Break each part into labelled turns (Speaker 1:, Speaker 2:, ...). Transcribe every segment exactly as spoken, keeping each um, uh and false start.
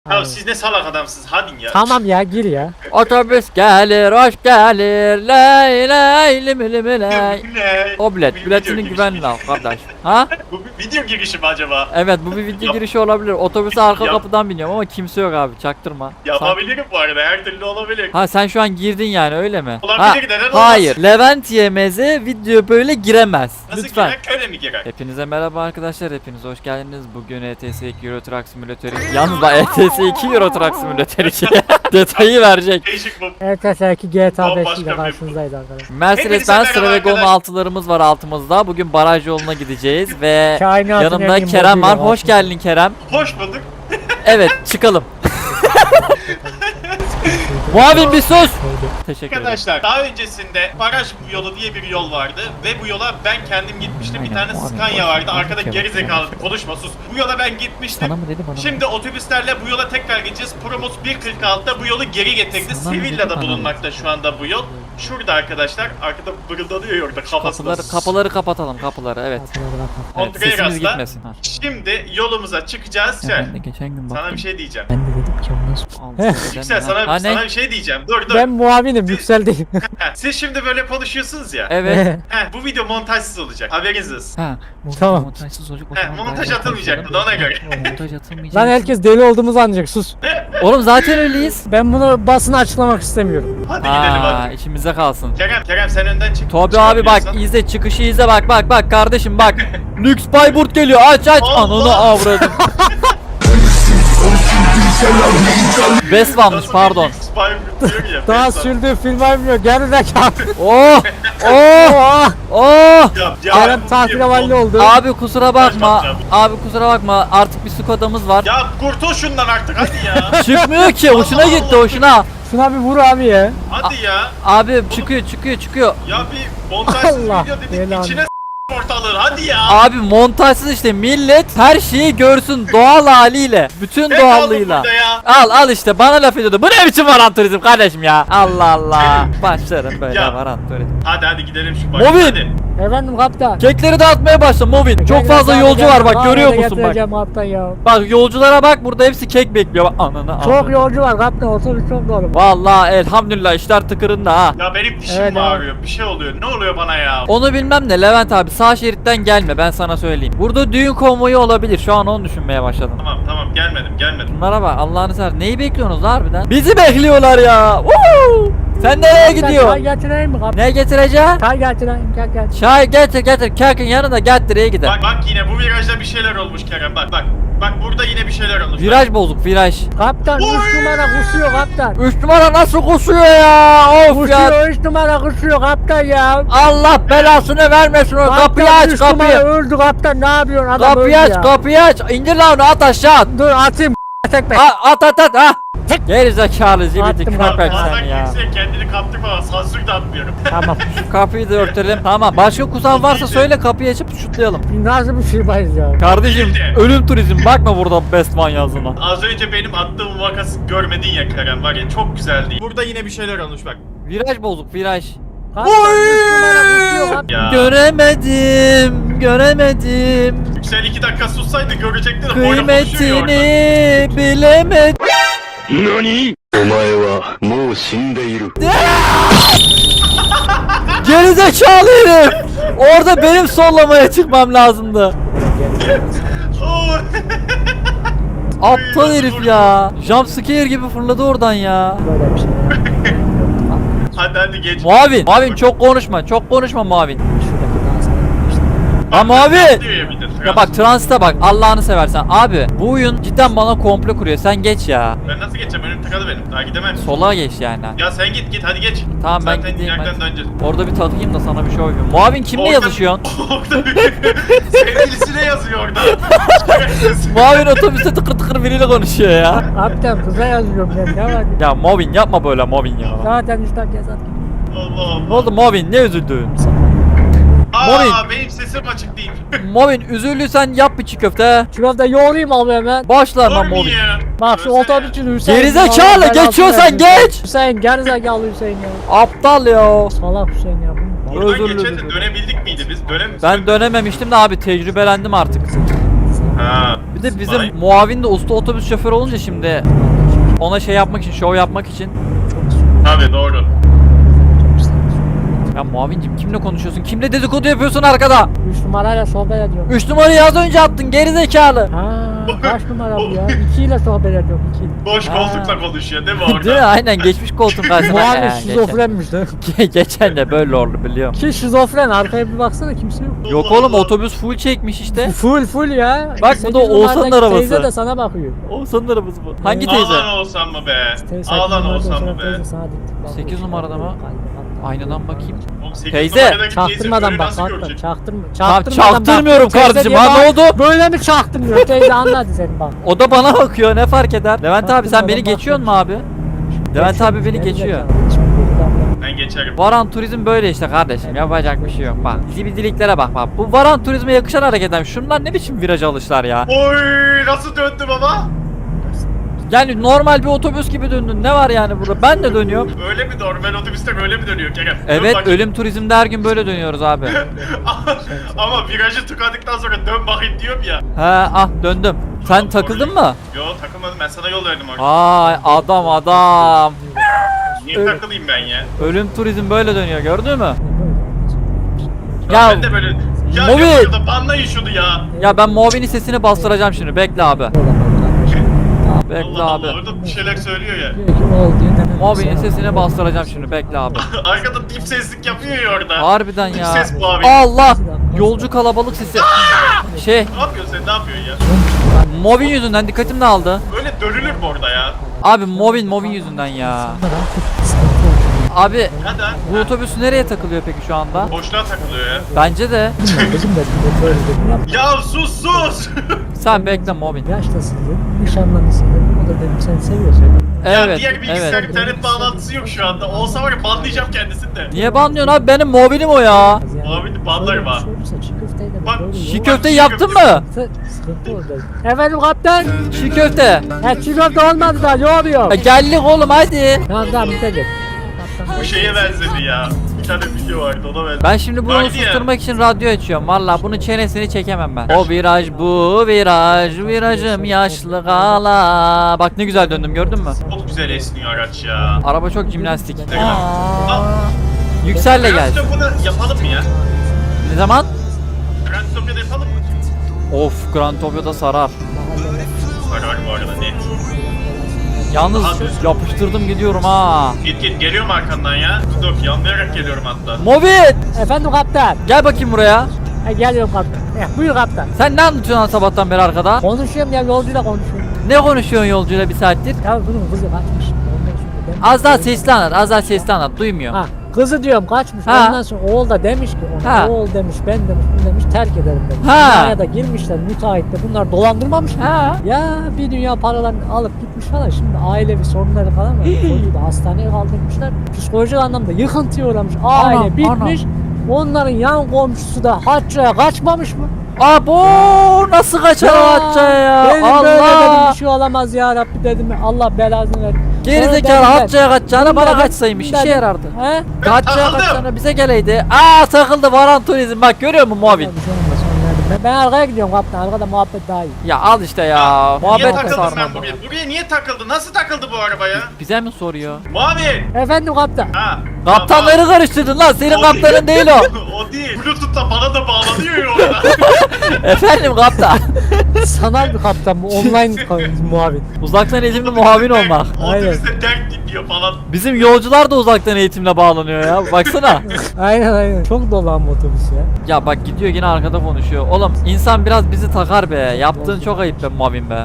Speaker 1: Ya siz ne salak adamsınız, hadi ya.
Speaker 2: Tamam ya, gir ya.
Speaker 3: Otobüs gelir, hoş gelir. Ley ley lim lim ley.
Speaker 1: Ne?
Speaker 3: O
Speaker 1: Bu
Speaker 3: bilet,
Speaker 1: bir
Speaker 3: biletini
Speaker 1: video
Speaker 3: güvenle
Speaker 1: girişi.
Speaker 3: al kardeş. Ha?
Speaker 1: Bu bir video girişi mi acaba?
Speaker 3: Evet, bu bir video
Speaker 1: Yap.
Speaker 3: girişi olabilir. Otobüse arka
Speaker 1: Yap.
Speaker 3: kapıdan biniyorum ama kimse yok abi, çaktırma.
Speaker 1: Yapabilirim bu arada, her türlü olabilir.
Speaker 3: Ha, sen şu an girdin yani, öyle mi?
Speaker 1: Olabilir,
Speaker 3: Ha,
Speaker 1: neden olmaz?
Speaker 3: hayır, Levent Yemez'e video böyle giremez.
Speaker 1: Nasıl
Speaker 3: Lütfen.
Speaker 1: girer, köle mi girer?
Speaker 3: Hepinize merhaba arkadaşlar, hepiniz hoş geldiniz. Bugün E T S iki Euro Truck Simulator iki. Yalnız da E T S iki Euro Truck Simulator iki detayı verecek.
Speaker 1: Değişik bu.
Speaker 2: Evet, belki G T A beş
Speaker 1: Bambaşka
Speaker 2: ile
Speaker 1: bir-
Speaker 2: karşınızdayız arkadaşlar.
Speaker 3: Mercedes
Speaker 1: Hepinize
Speaker 3: Benz
Speaker 1: merhaba
Speaker 3: Travegon
Speaker 1: arkadaşlar.
Speaker 3: altılarımız var altımızda. Bugün baraj yoluna gideceğiz ve
Speaker 2: Kainatın
Speaker 3: yanımda
Speaker 2: en iyi
Speaker 3: Kerem var.
Speaker 2: moduyla
Speaker 3: Hoş geldin Kerem.
Speaker 1: Hoş bulduk.
Speaker 3: Evet, çıkalım. Muavin bir sus. Teşekkür ederim.
Speaker 1: Arkadaşlar, daha öncesinde baraj yolu diye bir yol vardı ve bu yola ben kendim gitmiştim. Bir
Speaker 3: Aynen,
Speaker 1: tane
Speaker 3: o abi,
Speaker 1: Scania
Speaker 3: boş
Speaker 1: vardı.
Speaker 3: ver,
Speaker 1: Arkada
Speaker 3: boş ver,
Speaker 1: geri
Speaker 3: boş ver,
Speaker 1: zekalı
Speaker 3: boş ver.
Speaker 1: konuşma, sus. Bu yola ben gitmiştim.
Speaker 3: Sana mı dedi bana mı?
Speaker 1: Şimdi otobüslerle bu yola tekrar gideceğiz. Promos bir kırk altıda bu yolu geri getirdi.
Speaker 3: Sana mı dedi,
Speaker 1: Sevilla'da
Speaker 3: bana mı?
Speaker 1: bulunmakta şu anda bu yol. Şurada arkadaşlar, arkada bırıldanıyor orada kafasında.
Speaker 3: Kapıları, kapıları kapatalım, kapıları, evet. Evet,
Speaker 1: Kontraya
Speaker 3: sesimiz
Speaker 1: gazla.
Speaker 3: gitmesin. Ha.
Speaker 1: Şimdi yolumuza çıkacağız.
Speaker 3: Ya
Speaker 1: Sen.
Speaker 3: ben de geçen gün baktım.
Speaker 1: Sana bir şey diyeceğim.
Speaker 2: Ben de dedim ki o nasıl?
Speaker 3: Al,
Speaker 1: Yüksel,
Speaker 3: ha,
Speaker 1: sana,
Speaker 3: ne?
Speaker 1: sana bir şey diyeceğim. Dur dur.
Speaker 2: Ben muavinim, yükseldeyim.
Speaker 1: Heh, siz şimdi böyle konuşuyorsunuz ya.
Speaker 3: Evet.
Speaker 1: Heh, bu video montajsız olacak. Haberiniz olsun.
Speaker 3: Ha.
Speaker 2: Tamam.
Speaker 3: Montajsız olacak o
Speaker 1: He,
Speaker 3: zaman.
Speaker 1: montaj
Speaker 3: ben-
Speaker 1: atılmayacaktı da ona göre.
Speaker 3: Montaj atılmayacak.
Speaker 2: Lan herkes deli olduğumuzu anlayacak, sus.
Speaker 3: Oğlum zaten öyleyiz.
Speaker 2: Ben bunu basına açıklamak istemiyorum.
Speaker 1: Hadi gidelim
Speaker 3: Aa,
Speaker 1: hadi.
Speaker 3: içimize kalsın.
Speaker 1: Kerem, Kerem sen önden çık.
Speaker 3: Tobi abi bak,
Speaker 1: Çıkabiliyorsan.
Speaker 3: izle çıkışı, izle bak bak bak kardeşim bak. Lüks Bayburt geliyor, aç aç.
Speaker 1: Allah!
Speaker 3: Ananı avradım. Best varmış,
Speaker 1: Nasıl
Speaker 3: pardon.
Speaker 1: bir Spy diyor ya,
Speaker 2: Daha
Speaker 1: Best of.
Speaker 2: sürdüğü film bilmiyor, gerizekalı.
Speaker 3: Oh! Oh!
Speaker 2: Oh!
Speaker 3: Oh!
Speaker 1: Ya, ya,
Speaker 2: Kerem
Speaker 1: bu
Speaker 2: tatil
Speaker 1: bir-
Speaker 2: havalli oldu.
Speaker 3: Abi kusura bakma.
Speaker 1: bakacağım.
Speaker 3: Abi kusura bakma. Artık bir Skoda'mız var.
Speaker 1: Ya kurtul şundan artık hadi ya.
Speaker 3: Çıkmıyor ki. Hoşuna
Speaker 1: Allah
Speaker 3: gitti,
Speaker 1: Allah.
Speaker 3: hoşuna.
Speaker 2: Şuna bir vur abi ya.
Speaker 1: Hadi ya.
Speaker 3: Abi çıkıyor, çıkıyor, çıkıyor.
Speaker 1: Ya bir montajsız
Speaker 2: Allah
Speaker 1: video dedik
Speaker 2: belanı.
Speaker 1: içine s- ortalığı hadi ya.
Speaker 3: Abi montajsız işte, millet her şeyi görsün doğal haliyle. Bütün
Speaker 1: Ne kaldı
Speaker 3: doğallığıyla.
Speaker 1: burada ya?
Speaker 3: Al al işte, bana laf ediyordu. Bu ne biçim varan turizm kardeşim ya? Allah Allah. Başlarım böyle
Speaker 1: Ya.
Speaker 3: varan turizm.
Speaker 1: Hadi hadi gidelim şu
Speaker 3: Movin.
Speaker 1: başa hadi.
Speaker 2: Efendim kaptan.
Speaker 3: Kekleri dağıtmaya başla Movin. Çok fazla yolcu var bak, görüyor musun bak.
Speaker 2: Getireceğim kaptan ya.
Speaker 3: Bak yolculara bak, burada hepsi kek bekliyor. Bak ananı
Speaker 2: Çok
Speaker 3: avradım.
Speaker 2: yolcu var kaptan, otobüs çok dolu.
Speaker 3: Vallahi elhamdülillah işler tıkırında ha.
Speaker 1: Ya benim dişim
Speaker 2: Evet,
Speaker 1: mi
Speaker 2: evet.
Speaker 1: ağrıyor? Bir şey oluyor. Ne oluyor bana ya?
Speaker 3: Onu bilmem de Levent abi, sağ şeritten gelme, ben sana söyleyeyim. Burada düğün konvoyu olabilir, şu an onu düşünmeye başladım.
Speaker 1: Tamam tamam gelmedim gelmedim.
Speaker 3: Bunlara bak, Allah'ını sever. Neyi bekliyorsunuz harbiden? Bizi bekliyorlar ya. Woo! Sen nereye
Speaker 2: Çay
Speaker 3: gidiyorsun?
Speaker 2: getireyim mi kaptan?
Speaker 3: Ne getireceksin?
Speaker 2: Çay getireyim, gel gel.
Speaker 3: Çay getir getir. Kerkin yanında getiriye gider.
Speaker 1: Bak bak yine bu virajda bir şeyler olmuş Kerem bak bak. Bak burada yine bir şeyler olmuş.
Speaker 3: Viraj bozuk, viraj.
Speaker 2: Kaptan
Speaker 1: Oy!
Speaker 2: üç numara kusuyor kaptan.
Speaker 3: Üç numara nasıl kusuyor ya? Of ya.
Speaker 2: Kusuyor, üç numara kusuyor kaptan ya.
Speaker 3: Allah belasını vermesin o. Kapıyı
Speaker 2: Kaptan,
Speaker 3: aç,
Speaker 2: üç numara
Speaker 3: kapıyı.
Speaker 2: öldü kaptan, ne yapıyorsun adam öldü
Speaker 3: Kapıyı aç,
Speaker 2: ya.
Speaker 3: kapıyı aç. İndir lan onu, at aşağı at.
Speaker 2: Dur atayım tekme.
Speaker 3: A- At at at ha. Geri zekalı zibidi
Speaker 2: Attım,
Speaker 3: köpek
Speaker 2: kaptan.
Speaker 1: Bazen
Speaker 3: sen ya.
Speaker 1: kimseye kendini kaptırma. Sansür de atmıyorum.
Speaker 2: Tamam.
Speaker 3: Şu kapıyı da örtelim. Tamam. Başka kusan varsa söyle, kapıyı açıp şutlayalım.
Speaker 2: Nasıl bir firmayız ya?
Speaker 3: Kardeşim
Speaker 1: Değil de.
Speaker 3: ölüm turizm, bakma burada Best Man yazdığına.
Speaker 1: Az önce benim attığım vakası görmedin ya Kerem var ya çok güzeldi. Burada yine bir şeyler olmuş bak.
Speaker 3: Viraj bozuk, viraj.
Speaker 2: Kaptan üç numara kusuyor kaptan.
Speaker 1: Ya
Speaker 3: Göremedim, göremedim.
Speaker 1: Yüksel iki dakika sussaydı görecektin de boynu konuşuyor ya orada.
Speaker 3: Kıymetini bilemedim.
Speaker 4: 何お前はもう死んでいる。
Speaker 3: Gerizekalı herif. Orada benim sollamaya çıkmam lazımdı.
Speaker 1: Oo.
Speaker 3: Aptal herif ya. Jumpscare gibi fırladı oradan ya.
Speaker 2: Böyle bir şey ya.
Speaker 1: Hadi hadi geç.
Speaker 3: Muavin, Muavin çok konuşma, çok konuşma Muavin.
Speaker 2: Şuradaki dans edelim.
Speaker 3: Ha Muavin.
Speaker 1: Diyor ya bir de,
Speaker 3: Ya bak transite bak, Allah'ını seversen. Abi bu oyun cidden bana komple kuruyor. Sen geç ya.
Speaker 1: Ben nasıl geçeceğim? Önüm tıkalı benim. Daha gidemem.
Speaker 3: Sola geç yani.
Speaker 1: Ya sen git git hadi geç.
Speaker 3: Tamam, ben
Speaker 1: Zaten
Speaker 3: gideyim,
Speaker 1: ileriden
Speaker 3: hadi.
Speaker 1: döneceğiz.
Speaker 3: Orada bir takayım da sana bir şey yapayım. Muavin kimle
Speaker 1: Orada-
Speaker 3: yazışıyorsun?
Speaker 1: Orada bir sevgilisine yazıyor orada.
Speaker 3: Muavin otobüste tıkır tıkır biriyle konuşuyor ya.
Speaker 2: Kaptan kıza yazıyorum ben, ne var?
Speaker 3: Ya Muavin yapma böyle Muavin ya.
Speaker 2: Zaten işte gezat.
Speaker 1: Allah Allah.
Speaker 3: Ne oldu Muavin, ne üzüldün?
Speaker 1: Aa
Speaker 3: Muavin.
Speaker 1: benim sesim açık değil.
Speaker 3: Muavin üzüldüysen yap bir çiğ köfte.
Speaker 2: Şurada yoğurayım abi hemen.
Speaker 3: Başla lan
Speaker 1: Olur mu
Speaker 3: Muavin.
Speaker 1: ya?
Speaker 2: Bak şu
Speaker 1: Öylesene.
Speaker 2: otobüsün Hüseyin.
Speaker 3: Gerizekalı,
Speaker 2: Allah belasını
Speaker 3: geçiyorsan
Speaker 2: versin.
Speaker 3: geç.
Speaker 2: Hüseyin gerizekalı Hüseyin ya.
Speaker 3: Aptal ya.
Speaker 2: Salak Hüseyin ya. bu.
Speaker 1: Buradan
Speaker 3: Özür
Speaker 1: geçen de
Speaker 3: dilerim.
Speaker 1: dönebildik miydi biz? Dönem
Speaker 3: Ben dönememiştim de abi, tecrübelendim artık.
Speaker 1: Ha.
Speaker 3: Bir Bir de bizim
Speaker 1: Vay.
Speaker 3: muavin de usta otobüs şoförü olunca şimdi ona şey yapmak için, şov yapmak için.
Speaker 1: Tabii doğru.
Speaker 3: Ya muavincim kimle konuşuyorsun? Kimle dedikodu yapıyorsun arkada?
Speaker 2: Üç numarayla sohbet ediyorum.
Speaker 3: üç numarayı az önce attın geri zekalı.
Speaker 2: Ha, kaç numara bu ya? İki ile sohbet ediyorum iki.
Speaker 1: Boş
Speaker 3: Ha.
Speaker 1: koltukla konuşuyor değil mi
Speaker 3: Değil mi?
Speaker 1: orada?
Speaker 3: Aynen geçmiş koltuğun karşısına.
Speaker 2: Muavin
Speaker 3: Ee, geçen.
Speaker 2: şizofrenmiş de.
Speaker 3: geçen de böyle oldu biliyorum.
Speaker 2: Ki şizofren, arkaya bir baksana kimse yok.
Speaker 3: Yok
Speaker 1: Allah
Speaker 3: oğlum
Speaker 1: Allah.
Speaker 3: otobüs full çekmiş işte.
Speaker 2: Full full ya.
Speaker 3: Bak, bu
Speaker 2: Sekiz
Speaker 3: da Oğuzhan'ın
Speaker 2: numaradaki
Speaker 3: arabası.
Speaker 2: Teyze de sana bakıyor.
Speaker 3: Oğuzhan'ın arabası bu. Hangi teyze?
Speaker 1: Ağlan olsam mı be?
Speaker 2: Teyze,
Speaker 1: Ağlan
Speaker 2: sekiz
Speaker 1: olsam
Speaker 2: numarada
Speaker 1: mı be?
Speaker 2: teyze sana diktik bakıyor.
Speaker 3: Sekiz numarada mı? Aynadan bakayım.
Speaker 1: Oğlum sekiz
Speaker 3: Teyze,
Speaker 1: numaradaki teyze
Speaker 2: Çaktırmadan
Speaker 1: böyle
Speaker 2: bak
Speaker 1: nasıl
Speaker 2: hatta
Speaker 1: görecek?
Speaker 2: çaktırma.
Speaker 3: Tamam,
Speaker 2: Çaktırmadan
Speaker 3: çaktırmıyorum
Speaker 2: bak. Teyze
Speaker 3: kardeşim,
Speaker 2: diye
Speaker 3: ha, ne
Speaker 2: bak-
Speaker 3: oldu?
Speaker 2: Böyle mi çaktırmıyor? Teyze anladı seni bak.
Speaker 3: O da bana bakıyor ne fark eder? Levent abi sen beni
Speaker 2: Çaktırmadan
Speaker 3: geçiyorsun mu abi? Levent abi beni geçiyor.
Speaker 1: Ben geçerim.
Speaker 3: Varan turizm böyle işte kardeşim, yapacak bir şey yok bak. Zibidiliklere bak bak. Bu varan turizme yakışan hareketler. Şunlar ne biçim viraj alışlar ya.
Speaker 1: Oy nasıl döndü baba?
Speaker 3: Yani normal bir otobüs gibi döndün. Ne var yani burada? Ben de dönüyorum.
Speaker 1: Öyle mi normal otobüste böyle mi dönüyor Kerem? Dön
Speaker 3: Evet,
Speaker 1: bakayım.
Speaker 3: ölüm turizmde her gün böyle dönüyoruz abi.
Speaker 1: Ama virajı tıkadıktan sonra dön bakayım diyorum ya.
Speaker 3: He ah döndüm. Sen takıldın mı?
Speaker 1: Yo takılmadım, ben sana yol verdim orada.
Speaker 3: Ay adam adam.
Speaker 1: Niye
Speaker 3: öyle.
Speaker 1: takılayım ben ya?
Speaker 3: Ölüm turizm böyle dönüyor gördün mü?
Speaker 1: Ya,
Speaker 3: Ya
Speaker 1: ben de böyle... Ya
Speaker 3: Mobil.
Speaker 1: yapıyor da banlayın şunu ya.
Speaker 3: ya ben muavinin sesini bastıracağım şimdi. Bekle abi. Bekle
Speaker 1: Allah
Speaker 3: abi.
Speaker 1: Allah orada bir şeyler söylüyor ya.
Speaker 3: Muavinin sesini bastıracağım şimdi. Bekle abi.
Speaker 1: Arkada dip seslik yapıyor ya orada.
Speaker 3: Harbiden
Speaker 1: Dip
Speaker 3: ya.
Speaker 1: ses muavin.
Speaker 3: Allah! Yolcu kalabalık sesi. Şey,
Speaker 1: Ne yapıyorsun sen, ne yapıyorsun ya?
Speaker 3: Movin yüzünden dikkatim dağıldı.
Speaker 1: Öyle dönülür mü orada ya?
Speaker 3: Abi Movin Movin yüzünden ya. Abi
Speaker 1: Hadi ha.
Speaker 3: bu otobüs nereye takılıyor peki şu anda?
Speaker 1: Boşluğa takılıyor ya.
Speaker 3: Bence de.
Speaker 1: Ya sus sus.
Speaker 3: Sen bekle Movin.
Speaker 2: Yaştasın dedim, nişanlanısın dedim. O da dedim seni seviyorsun.
Speaker 1: Ya
Speaker 3: Evet,
Speaker 1: diğer bilgisayar
Speaker 3: evet.
Speaker 1: internet bağlantısı yok şu anda. Olsa var ya banlayacağım kendisini de.
Speaker 3: Niye banlıyorsun abi? Benim Movin'im o ya.
Speaker 1: Abi banlarım ha.
Speaker 2: Çiğ köfteyi de
Speaker 1: Bak,
Speaker 2: böyle
Speaker 3: Çiğ
Speaker 2: yoğurt-
Speaker 3: köfte yaptın mı?
Speaker 2: Sıkıntı oldu. Efendim kaptan.
Speaker 3: Çiğ köfte.
Speaker 2: He çiğ köfte olmadı da yoğuruyor.
Speaker 3: Ya geldik oğlum hadi.
Speaker 2: Tamam tamam bitelim.
Speaker 1: Bu şeye benzedi ya. Bir tane video vardı, ona benzedi.
Speaker 3: Ben şimdi bunu
Speaker 1: Haydi ya.
Speaker 3: susturmak için radyo açıyorum. Valla bunun çenesini çekemem ben. O viraj bu viraj, virajım yaşlı gala. Bak ne güzel döndüm gördün mü?
Speaker 1: Çok güzel esniyor araç ya.
Speaker 3: Araba çok jimnastik.
Speaker 1: Ne kadar? Aa,
Speaker 3: Yükselle
Speaker 1: Grand
Speaker 3: gel.
Speaker 1: Stop'unu yapalım mı ya?
Speaker 3: Ne zaman?
Speaker 1: Grand Stop'u yapalım mı?
Speaker 3: Of Grand Tokyo'da sarar.
Speaker 1: Var bu arada net.
Speaker 3: Yalnız
Speaker 1: Abi.
Speaker 3: yapıştırdım gidiyorum ha.
Speaker 1: Git git geliyorum arkandan ya. Dur yanlayarak geliyorum hatta.
Speaker 3: Mobit!
Speaker 2: Efendim kaptan.
Speaker 3: Gel bakayım buraya.
Speaker 2: He geliyorum kaptan. He buyur kaptan.
Speaker 3: Sen ne anlatıyorsun lan sabahtan beri arkada?
Speaker 2: Konuşuyorum ya yolcuyla konuşuyorum.
Speaker 3: Ne konuşuyorsun yolcuyla bir saattir?
Speaker 2: Ya bunun kızı kaçmış. Ondan sonra demiş-
Speaker 3: Az daha sesli anlat, az daha sesli anlat. Duymuyor.
Speaker 2: Ha kızı diyorum kaçmış.
Speaker 3: Ha.
Speaker 2: Ondan sonra oğul da demiş ki ona,
Speaker 3: Ha.
Speaker 2: oğul demiş ben demiş bunu demiş terk ederim demiş.
Speaker 3: Ha.
Speaker 2: Dünyaya da girmişler müteahhitle bunlar dolandırmamış mı?
Speaker 3: Ha.
Speaker 2: Ya bir dünya paralarını alıp gitmiş falan şimdi ailevi sorunları falan var. Çocuğu da hastaneye kaldırmışlar. Psikolojik anlamda yıkıntıya uğramış. Aile
Speaker 3: Anam,
Speaker 2: bitmiş. Onların yan komşusu da Hacca'ya kaçmamış mı?
Speaker 3: Abo nasıl kaçar o Hacca'ya ya?
Speaker 2: Dedim böyle dedim
Speaker 3: Allah!
Speaker 2: bir şey olamaz ya Rabbi dedim. Allah belasını ver.
Speaker 3: Gerizekalı Hacca'ya kaçacağına bana
Speaker 2: Bunların-
Speaker 3: kaçsaymış işe
Speaker 2: bunların-
Speaker 3: yarardı.
Speaker 2: He?
Speaker 3: Hacca'ya
Speaker 1: Takıldım.
Speaker 3: kaçacağına bize geleydi. Aa takıldı Varan Turizm bak görüyor musun muavin?
Speaker 2: Bir şey olmaz, onlardan. Ben, ben arkaya gidiyorum kaptan. Arkada muhabbet daha iyi.
Speaker 3: Ya al işte ya.
Speaker 1: Niye
Speaker 3: Muhabbet de
Speaker 1: takıldın
Speaker 3: sarmadı.
Speaker 1: sen buraya? Buraya niye takıldı? Nasıl takıldı bu araba ya?
Speaker 3: Bize mi soruyor?
Speaker 1: Muavin!
Speaker 2: Efendim kaptan.
Speaker 1: Ha.
Speaker 3: Kaptanları karıştırdın lan senin
Speaker 1: O
Speaker 3: kaptanın değil o.
Speaker 1: O değil. Bluetooth'ta bana da bağlanıyor ya orada.
Speaker 3: Efendim kaptan.
Speaker 2: Sanal bir kaptan bu. Online muavin.
Speaker 3: Uzaktan eğitimli muavin olmak.
Speaker 2: Aynen.
Speaker 1: Otobüste dert dinliyor falan.
Speaker 3: Bizim yolcular da uzaktan eğitimle bağlanıyor ya. Baksana.
Speaker 2: Aynen aynen. Çok dolu ama otobüs ya.
Speaker 3: Ya bak gidiyor yine arkada konuşuyor. Oğlum insan biraz bizi takar be. Yaptığın çok ayıp be muavin be.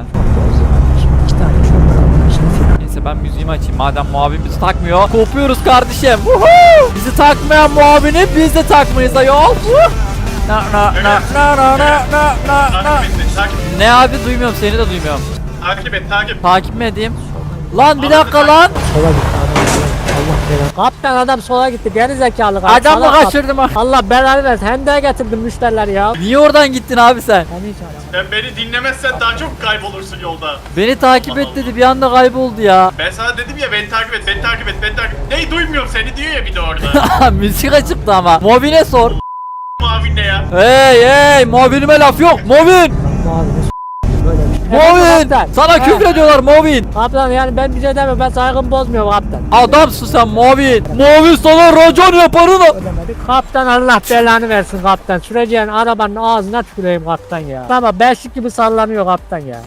Speaker 2: İki tane şoför almış.
Speaker 3: Neyse ben müziğimi açayım madem muavin bizi takmıyor. Kopuyoruz kardeşim. Woohoo! Bizi takmayan muavini biz de takmayız ayol. Woo! Na na na na na na na na na.
Speaker 1: Takip et, takip et.
Speaker 3: Ne abi duymuyorum seni de duymuyorum.
Speaker 1: Takip et, takip.
Speaker 3: Takip mi edeyim? Lan bir dakika lan.
Speaker 2: Sola gitti adam. Allah belanı. Kaptan adam sola gitti. Geri zekalı. kaptan.
Speaker 3: Adam mı
Speaker 2: Salak
Speaker 3: kaçırdım ha?
Speaker 2: kaptan. Allah belanı versin. Hem de getirdim müşteriler ya.
Speaker 3: Niye oradan gittin abi sen?
Speaker 2: Ben hiç aramam.
Speaker 1: Sen beni dinlemezsen daha çok kaybolursun yolda.
Speaker 3: Beni takip et dedi bir anda kayboldu ya.
Speaker 1: Ben sana dedim ya beni takip et, beni takip et, beni takip et. Ney duymuyorum seni diyor ya bir de orada.
Speaker 3: Müzik açıktı ama. Movin'e sor.
Speaker 1: Muavin ne ya?
Speaker 3: Hey hey mobilime laf yok. Movin.
Speaker 2: Muavine s*** böyle bir
Speaker 3: Movin!
Speaker 2: kaptan.
Speaker 3: Sana
Speaker 2: He.
Speaker 3: küfür ediyorlar Movin.
Speaker 2: Kaptan yani ben bir şey demiyorum. Ben saygımı bozmuyorum kaptan.
Speaker 3: Adamsın sen Movin. Movin sana racon yaparım.
Speaker 2: Ödemedik. Kaptan Allah belanı versin kaptan. Süreceğin arabanın ağzına tüküreyim kaptan ya. Ama beşik gibi sallanıyor kaptan ya.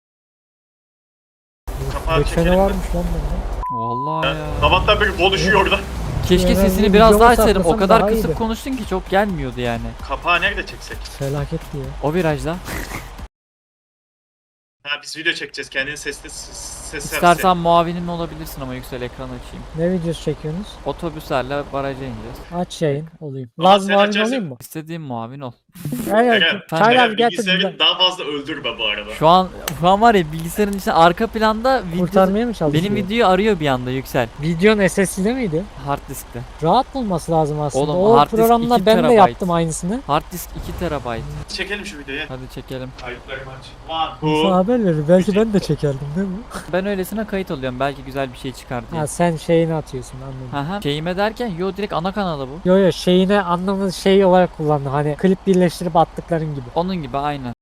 Speaker 1: Kapağı
Speaker 2: Geçene
Speaker 1: çekelim.
Speaker 2: varmış lan bunda.
Speaker 3: Vallahi ya.
Speaker 1: Sabahtan beri konuşuyor orada.
Speaker 3: Keşke
Speaker 2: Yani
Speaker 3: sesini
Speaker 2: bir
Speaker 3: biraz
Speaker 2: videomu
Speaker 3: daha açsaydım. O
Speaker 2: saklasam
Speaker 3: kadar
Speaker 2: daha
Speaker 3: kısık
Speaker 2: iyiydi.
Speaker 3: konuştun ki çok gelmiyordu yani.
Speaker 1: Kapağı nerede çeksek?
Speaker 2: Felaket diye.
Speaker 3: O virajda.
Speaker 1: Ha biz video çekeceğiz. Kendini sesli ses
Speaker 3: İstersen muavinim olabilirsin ama yüksel ekran açayım.
Speaker 2: Ne videosu çekiyorsunuz?
Speaker 3: Otobüslerle baraja ineceğiz.
Speaker 2: Aç yayın olayım.
Speaker 1: Ama
Speaker 2: Laz
Speaker 1: sen
Speaker 2: muavin
Speaker 1: açarsın.
Speaker 2: olayım mı?
Speaker 3: İstediğim muavin ol.
Speaker 2: Evet.
Speaker 1: Eren,
Speaker 2: Çaylar
Speaker 1: Eren
Speaker 2: getir.
Speaker 1: bilgisayarı daha fazla öldürme bu arada.
Speaker 3: Şu an şu an var ya bilgisayarın içinde arka planda video,
Speaker 2: Kurtarmaya mı çalışıyor?
Speaker 3: benim videoyu arıyor bir anda yüksel.
Speaker 2: Videon S S D'de miydi?
Speaker 3: Hard diskte.
Speaker 2: Rahat bulması lazım aslında.
Speaker 3: Oğlum,
Speaker 2: o
Speaker 3: hard disk
Speaker 2: programda
Speaker 3: iki
Speaker 2: ben de
Speaker 3: terabayt.
Speaker 2: yaptım aynısını.
Speaker 3: Hard disk iki terabayt.
Speaker 1: Çekelim şu videoyu.
Speaker 3: Hadi çekelim.
Speaker 1: Kayıtlarımı aç. One,
Speaker 2: Sana
Speaker 1: two.
Speaker 2: haber verir. Belki ben de çekerdim değil mi?
Speaker 3: Ben öylesine kayıt oluyorum. Belki güzel bir şey çıkar diye.
Speaker 2: Ha sen şeyini atıyorsun anladım.
Speaker 3: Aha. Şeyime derken yo direkt ana kanalı bu.
Speaker 2: Yo yo şeyine anlamı şey olarak kullandı. Hani klip birleştirip attıkların gibi.
Speaker 3: Onun gibi aynen.